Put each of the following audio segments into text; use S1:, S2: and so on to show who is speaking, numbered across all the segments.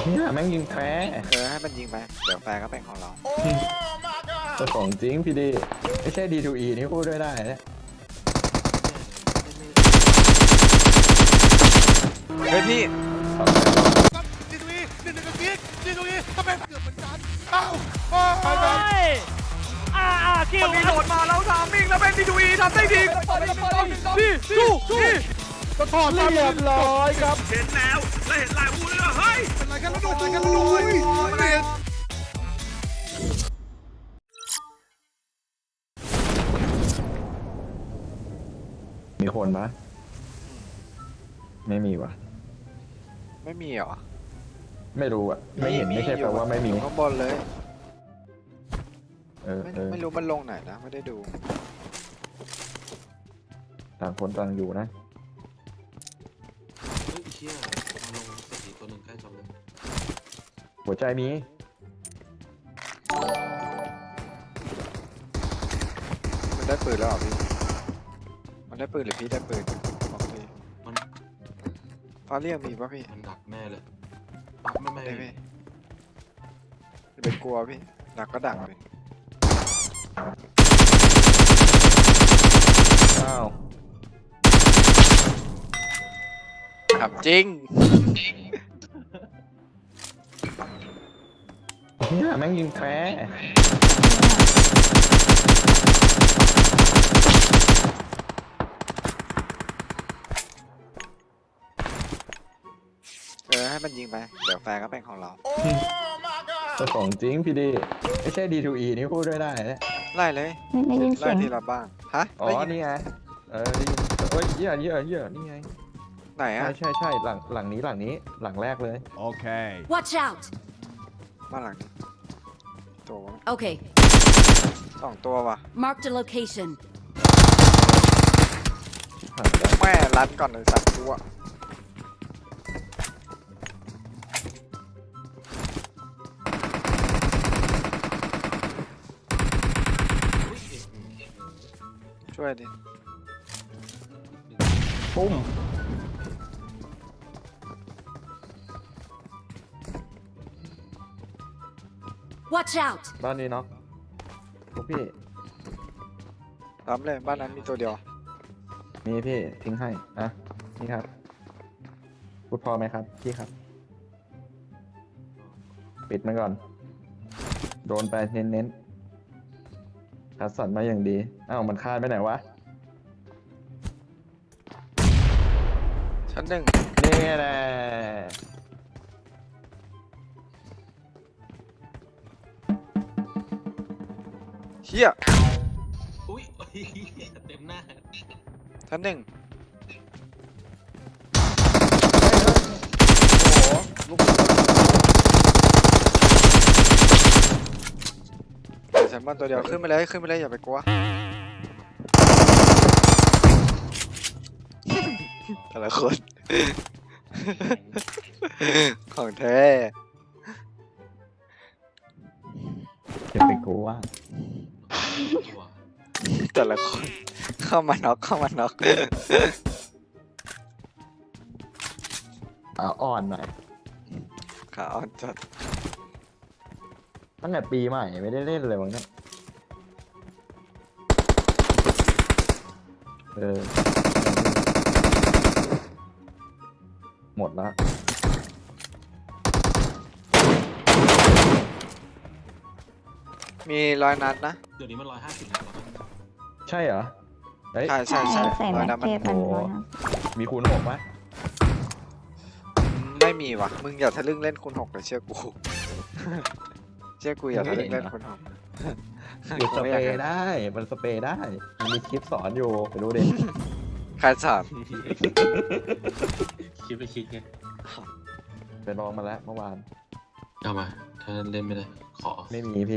S1: เนี่ยแม่งยิงแพ้
S2: ให้มันยิงไปเดี๋ยวแฟร์ก็เป็นของเรา
S1: ตัวของจริงพี่ดีไม่ใช่ D2E นี่พูดด้วยได้นะ
S2: เฮ้ยพี่
S3: ดีตรงนี้ดีตรงนี้ถ้าเป็นเกือบเหมือนกันอ้าว
S4: คิว
S2: มีโหลดมาแล้วทำมิ่งแล้วเป็นดีทูอีทำได้ดี
S3: นี่ก็ถอดเรียบร้อยครับ
S4: เห็นแล้วและเห็นลายวูเลยเฮ้ย
S3: เป็นไรกันแล้วดู
S1: มีคนปะไม่มีวะ
S2: ไม่มีเหรอ
S1: ไม่รู้อะไม่เห็นไม่ใช่แปลว่าไม่มี
S2: อยู่ข้างบนเลย
S1: ไม่
S2: รู้มันลงไหนนะไม่ได้ดู
S1: ต่างคนต่างอยู่นะ
S5: เฮ้ยเชี่ยมาลงสตีตัวหนึ่งใกล้จบเลย
S1: หัวใจมี
S2: มันได้ปืนแล้วเหรอพี่มันได้ปืนหรือพี่ได้ปืนบอกพี่
S5: มัน
S2: ฟ้าเรียกมีป่ะพี่
S5: มันดักแน่เลยปักไม่
S2: ได้พี่อย่าไปกลัวพี่ดักก็ดักเลย
S1: อ้าว
S2: ขับจริง
S1: เนี่ยแม่งยิงแพ้
S2: ให้มันยิงไปเดี๋ยวแฟร์ก็เป็นของเรา
S1: ตัวของจริงพี่ดีไม่ใช่ D2E นี่พูดด้วยได้นะ
S2: ไล่เลย
S6: ไม่ได้ยินเสี
S2: ไล่
S6: ยง
S2: ทีละบ้างฮะ
S1: อ๋อ
S2: ได้ยิน
S1: นี่ไงได้ยินเอ้ยเหี้ยนี่ไง
S2: ไหนอะ
S1: ใช่หลังนี้หลังแรกเลย
S3: Okay.
S7: Watch out!
S2: บ้านหลังนี้ตัววะ
S7: Okay,
S2: สองตัวว่ะ
S7: marked a location.
S1: ผ่านแล้ว
S2: แม่รัดก่อนเลยสัตว์ตัว ช่วยดิ
S1: ปุ้ม
S7: Watch out!
S1: บ้านนี้เนาะพวกพี่
S2: รับเลยบ้านนั้นมีตัวเดียว
S1: มีพี่ทิ้งให้อ่ะนี่ครับพูดพอไหมครับพี่ครับ ปิดมันก่อน โดนไปเน้นคัดสรรมาอย่างดีอ้าวมันคาดไปไหนวะ
S2: ชั้นหนึ่ง
S1: นี่แหละ
S2: เฮีย
S5: อุ้ยเต็มหน้า
S2: ชั้นหนึ่งโอ้โหลูกเดี๋ยวชั้นบนตัวเดียวขึ้นไปเลยอย่าไปกลัว แต่ละคน ของแท้
S1: เก็บไปกูว่า
S5: ตัว
S2: แต่ละคน เข้ามาน็อก
S1: อ่อนหน่อย
S2: ขาอ่อนจัด
S1: ตั้งแต่ปีใหม่ไม่ได้เล่นเลยวังเนี่ยหมดละ
S2: มีรอยนัดนะ
S5: เดี๋ยวนี้มัน150แล้วนะ
S1: ใช่เหรอเฮ้ย
S2: ใช่
S6: ใส่
S2: ร
S6: แม็
S2: อย
S6: ก
S2: นัด
S6: เทปมัน
S1: โอ้
S6: ร้อยนะ
S1: มีคูณ6ไหม
S2: ไม่มีวะมึงอย่าทะลึ่งเล่นคูณ 6เลยเชื่อกู เชื่อกูอย่าทะลึ่งเล่นคูณ 6
S1: มันสเปรย์ได้ มันสเปรย์ได้ มันมีคลิปสอนอยู่ไปดูดิ
S2: ใครสอน
S5: คิดไปคิดไง
S1: ไปลองมาแล้วเมื่อวาน
S5: เอามาถ้าเล่นไม่ได้ขอ
S1: ไม่มีพี่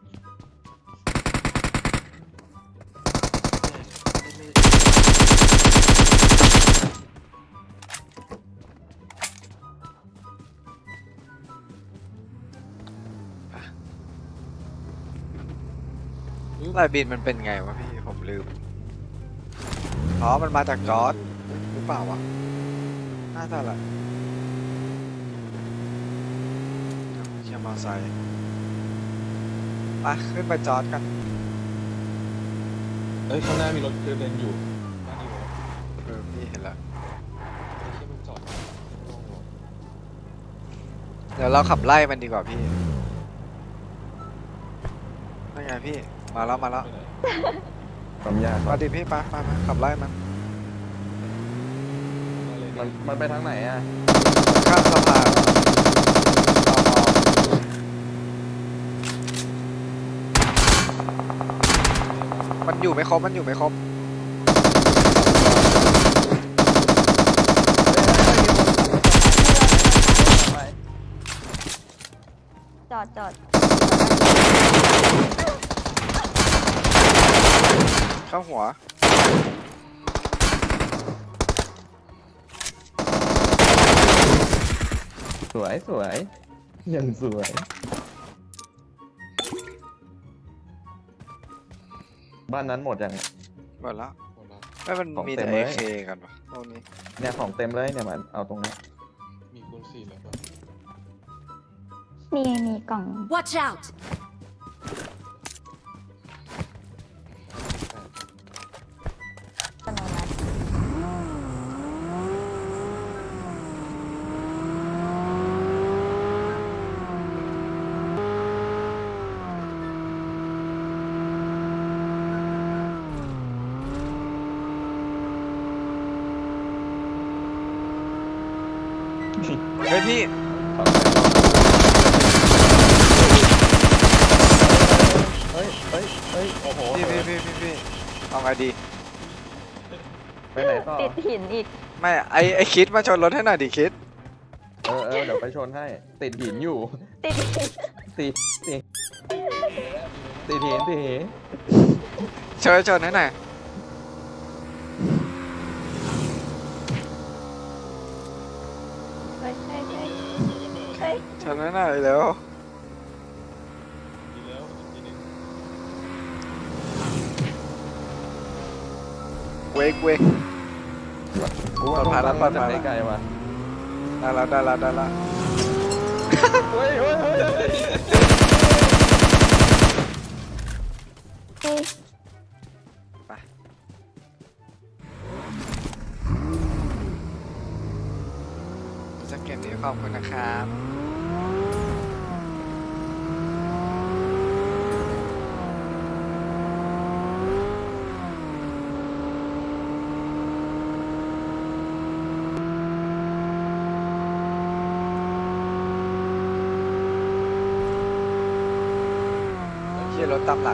S2: ลายบินมันเป็นไงวะพี่ผมลืม อ๋อมันมาจากจอร์จหรือเปล่าวะน่าจะแหละอไซค์ไปขึ้นไปจอดกัน
S5: เอ้ยข้างหน้ามีรถเดินอยู่บ้านนี้วะ
S2: พี่เห็นแล้ว
S5: ไอ้เชี่ยมันจอดโล่งวะ
S2: เดี๋ยวเราขับไล่มันดีกว่าพี่นั่นไงพี่มาแล้ว
S5: ไปไหน
S1: ความยาก
S2: มาดิพี่ไปขับไล่มัน
S5: มาเลย
S1: มันไปทางไหนอ่ะ
S2: ข้ามสะพานมันอยู่ไม่ครบ
S6: จอด
S2: เข้าหัว
S1: สวยสวยยังสวย บ้านนั้นหมดยัง
S2: หมดแล้ว
S5: หมดละ
S2: ไม่มัน
S1: ของ
S2: มี
S1: เต็
S2: แต่
S1: มเลย
S2: AK กันปะตรงนี้
S1: เนี่ยของเต็มเลยเนี่ยมันเอาตรงนี้
S5: มีคูณ4แล้วปะ
S6: มีกล่อง
S7: Watch out!
S6: อัตโนมัติ
S2: เฮ้ยพี่
S1: เฮ้ยเฮ้ยเฮ้ยโอ้โห
S2: พี่เอาไงดี
S1: ไปไหนต่อ
S6: ติดหินอีก
S2: ไม่ไอคิดมาชนรถให้หน่อยดิคิด
S1: เดี๋ยวไปชนให้ ติดหินอยู่
S6: ติดหิน
S1: ติดติดติดหินติดหิน
S2: ชนให้หน่อย
S6: เฮ้ยเฮ้ย
S2: ชนให้หน่อยเร็ว
S5: มีแล้วอีกทีนึง
S2: เวก
S1: กูว่า
S2: ปลอดภัยแล้ว
S1: ต้อง
S2: ปลอดภัย
S1: จากไกลๆว่ะ
S2: ได้แล้ว
S1: เฮ้ยเฮ้ยเฮ้ย
S6: เฮ้ย
S2: จะเกมนี้ขอบคุณนะครับเฮียรถตามหลัง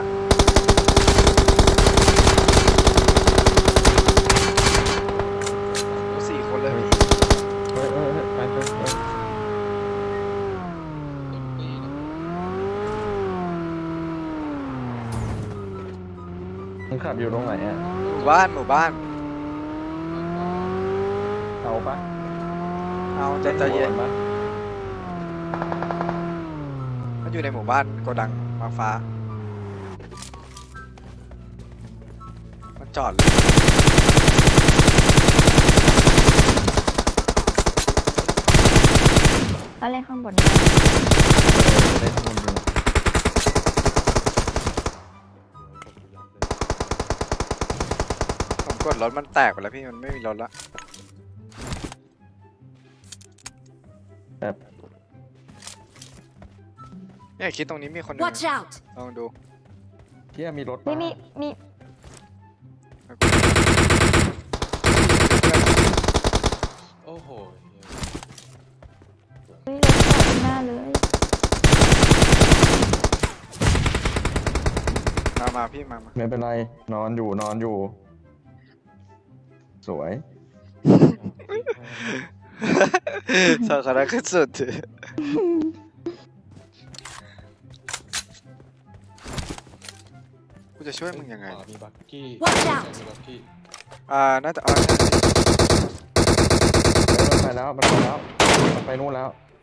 S2: โอ้4 คนเลยพี่
S1: เฮ้ยไปเฮ้ย
S5: เต็มตีนะ
S1: มึงขับอยู่ตรงไหนอ่ะ
S2: หมู่บ้าน
S1: เอาปะ
S2: เอาใจเย็น
S1: ปะ
S2: มันอยู่ในหมู่บ้านโกดังมาฟ้า มันจอดเลย
S6: แล้วเล่นข้างบน
S1: เล่นมุมดู
S2: ผมกดรถมันแตกไปแล้วพี่มันไม่มีรถละ
S1: แบบ
S2: เนี่ยคิดตรงนี้มีคนหนึง
S7: Watch out!
S2: ลองดู
S1: เที่ยมีรถ
S6: มี
S1: ปะ
S6: มี
S5: โอ้โห
S6: เฮ้ยรถจอดหน้าเลย
S2: มาพี่มา
S1: ไม่เป็นไรนอนอยู่ สวย
S2: สาขาขึ้นสุดกูจะช่วยมึงยังไง
S5: ขวามีบักกี้
S7: Watch out
S5: มีบักกี้
S2: น่าจะ
S1: มันไปแล้วมันไปนู่นแล้ว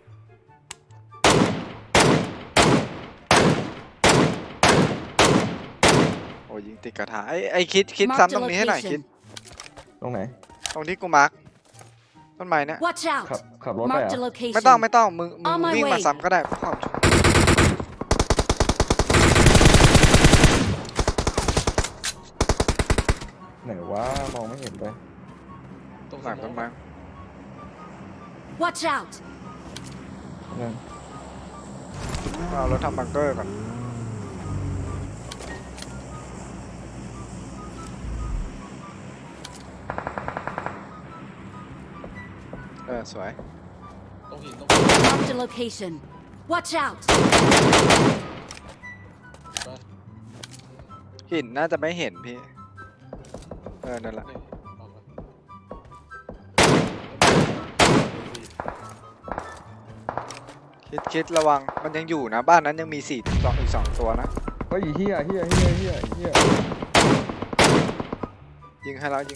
S2: โอ้ยิงติดกระถาไอ้คิด
S7: Mark
S2: ซ้ำ
S7: the
S2: ตรงนี้ให้หน่อยคิด
S7: location.
S1: ตรงไหน
S2: ตรงที่กูมาร์กต้นไม้เนี่ย
S7: Watch out!
S1: ขับรถไป
S7: Marked
S1: อ่ะ
S7: a location.
S2: ไม่ต้องมึง
S7: On my
S2: วิ่งมา
S7: way
S2: ซ้ำก็ได้เพื่อความชัวร์
S1: ไหนว่ามองไม่เห็นเลย
S5: ตรง
S2: หลังต้นไม้
S7: Watch out!
S1: นั่น
S2: เอารถทำบังเกอร์ก่อนสวย
S5: ตรงหินตรง
S7: Marked a location. Watch out!
S5: บ้าน
S2: หินน่าจะไม่เห็นพี่นั่นแหละ
S5: นี่ออกมา
S2: คิดระวังมันยังอยู่นะบ้านนั้นยังมีอีกสองตัวนะ
S1: เฮ้ยเฮีย
S2: ยิงให้แล้ว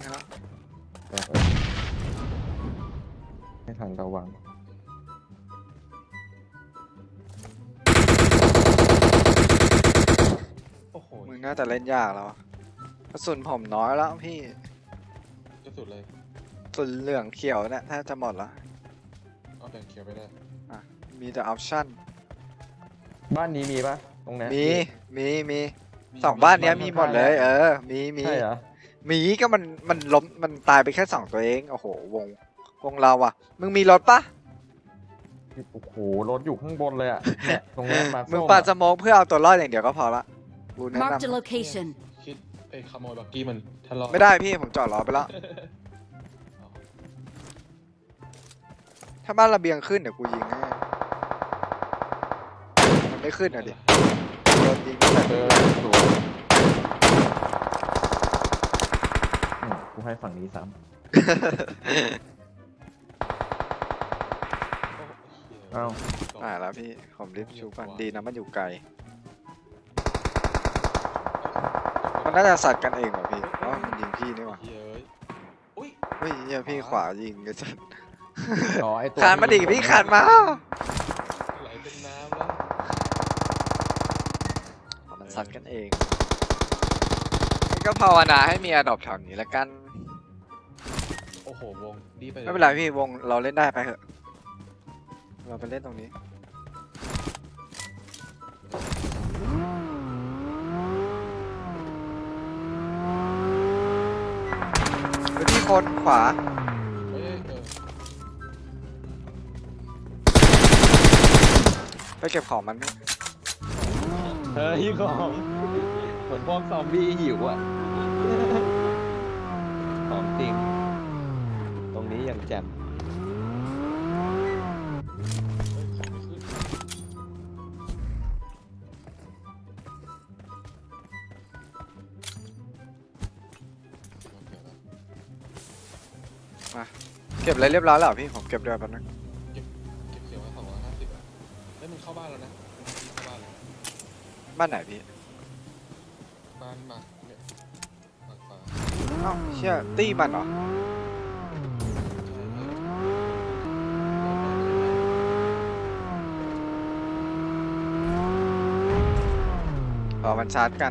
S1: ไม่ทันระวัง
S5: โอ้โห
S2: มึงน่าจะเล่นยากแล้วกระสุนผมน้อยแล้วพี่
S5: จะสุดเลย
S2: กระสุนเหลืองเขียวเนี่ยแทบจะหมดแล้ว
S5: เอาแบ่งเขียวไปได้
S2: มีแต่ออปชั่น
S1: บ้านนี้มีปะตรงเนี้ย
S2: มีสองบ้านเนี้ยมีหมดเลยมี
S1: ใช่เหรอ
S2: มีก็มันล้มมันตายไปแค่2ตัวเองโอ้โหวงเราอ่ะมึงมีรถปะ
S1: โอ้โหรถอยู่ข้างบนเลยอ่ะเนี่ยตรงเนี้ยมา
S2: มึง
S1: ส้ม
S2: ปา
S1: อะ
S2: สโมกเพื่อเอาตัวรอดอย่างเดียวก็พอละกูแนะ
S7: Marked a
S2: นำ
S7: location.
S5: คิดขโมยบักกี้มันทะเลาะ
S2: ไม่ได้พี่ผมจอดรอไปแล้ว ถ้าบ้านระเบียงขึ้นเดี๋ยวกูยิงให้มันไม่ขึ้นอ่ะดิโดนยิงตั้งแต่
S1: สวยกูให้ฝั่งนี้ซ้
S5: เอ้า
S2: แล้วพี่ผมรีบชูกันดีนะมันอยู่ไกลมันน่าจะสัตว์กันเองเหรอพี่เพราะว่ามันยิงพี่นี่หว่า
S5: เฮ้ยอุ้ย
S2: เฮ้ยเนี่ยพี่ขวายิงไอ้สัตว์
S1: ำอ๋อไอตัว
S2: ขานมาดิพี่ขานมา
S5: ไหลเป็นน้ำแล้ว
S2: มันสัตว์กันเองก็ภาวนาให้มีอดอบแถวนี้แล้วกัน
S5: โอ้โหวงดีไปเลย
S2: ไม่เป็นไรพี่วงเราเล่นได้ไปเถอะเราไปเล่นตรงนี้ไปที่คนขวา
S5: เฮ้ย
S2: ไปเก็บของมัน
S1: เฮ้ยของเหมือนพวกซอมบี้หิวอ่ะของจริง ตรงนี้ยังแจ่ม
S5: ของไม่ขึ้นโอเคแล้ว
S2: เก็บอะไรเรียบร้อยแล้วเหรอพี่ผมเก็บด้วยแป๊บนึง
S5: เก็บเสียงไว้250อ่ะเฮ้ยมึงเข้าบ้านแล้วนะมึงเข้าบ้านแล้ว
S2: บ้านไหนพี่
S5: บ้านหมักเนี่ยหมักฟ้า
S2: เอ้าเชี่ยตี้มันเหรอ
S5: ใช่
S2: มันชาร์จกัน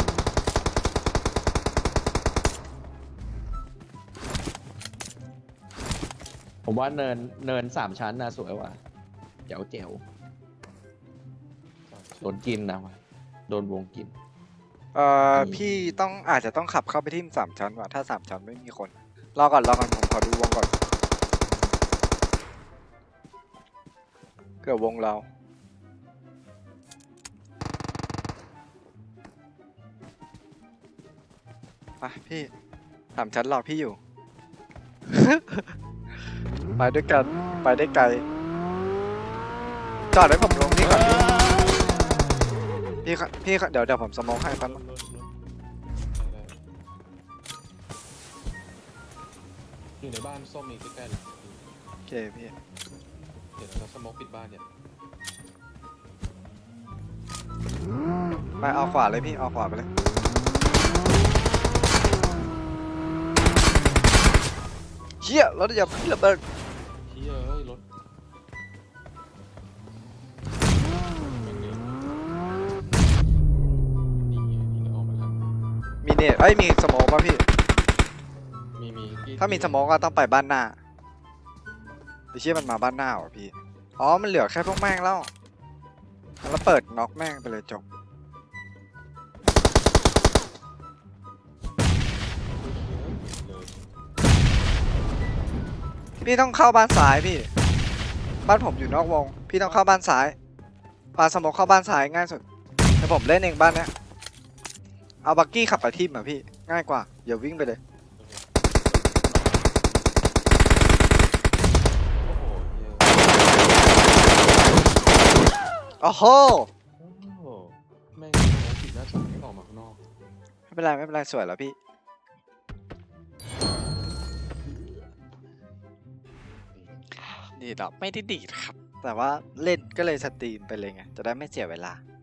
S1: ผมว่าเนิน3 ชั้นนะสวยว่ะเจ๋วโดนกินนะว่ะโดนวงกิน
S2: พี่อาจจะต้องขับเข้าไปที่3 ชั้นว่ะถ้า3 ชั้นไม่มีคนรอก่อนผมขอดูวงก่อนเกือบวงเราไปพี่3 ชั้นรอพี่อยู่ ไปด้วยกันไปได้ไกลจอดให้ผมลงนี่ก่อนพี่เดี๋ยวผมสโมองให้ครับ
S5: ได้อยู่ในบ้านส้มมีใกล้ๆเลย
S2: โอเคพี่
S5: เดี๋ยวเราสโมกปิดบ้านเนี่ย
S2: ไปเอาขวาเลยพี่เอาขวาไปเลยเฮียรถอย่าพี่ระเบิด
S5: เฮ้ยเอ้ยรถเป็นไงนี่ไงนี่ก็ออกมาแล้ว
S2: มีเนตมีสโมองป่ะพี่
S5: มีที่
S2: ถ้ามีสโมองก็ต้องไปบ้านหน้าไอ้เชี่ยมันมาบ้านหน้าเหรอพี่อ๋อมันเหลือแค่พวกแม่งแล้วแล้วเปิดน็อกแม่งไปเลยจบพี่ต้องเข้าบ้านซ้ายพี่ บ้านผมอยู่นอกวง พี่ต้องเข้าบ้านซ้ายปาสโมกเข้าบ้านซ้ายง่ายสุดเดี๋ยวผมเล่นเองบ้านเนี้ยเอาบักกี้ขับไปทิมอ่ะพี่ง่ายกว่าอย่าวิ่งไปเลย
S5: โอ้โหเหี้ย
S2: โอ้โห
S5: โอ้โหแม่งปิดหน้าจอให้ออกมาข้างนอก
S2: ไม่เป็นไรไม่เป็นไรสวยแล้วพี่ดีดอกไม่ได้ดีดครับ แต่ว่าเล่นก็เลยสตรีมไปเลยไงจะได้ไม่เสียเวลา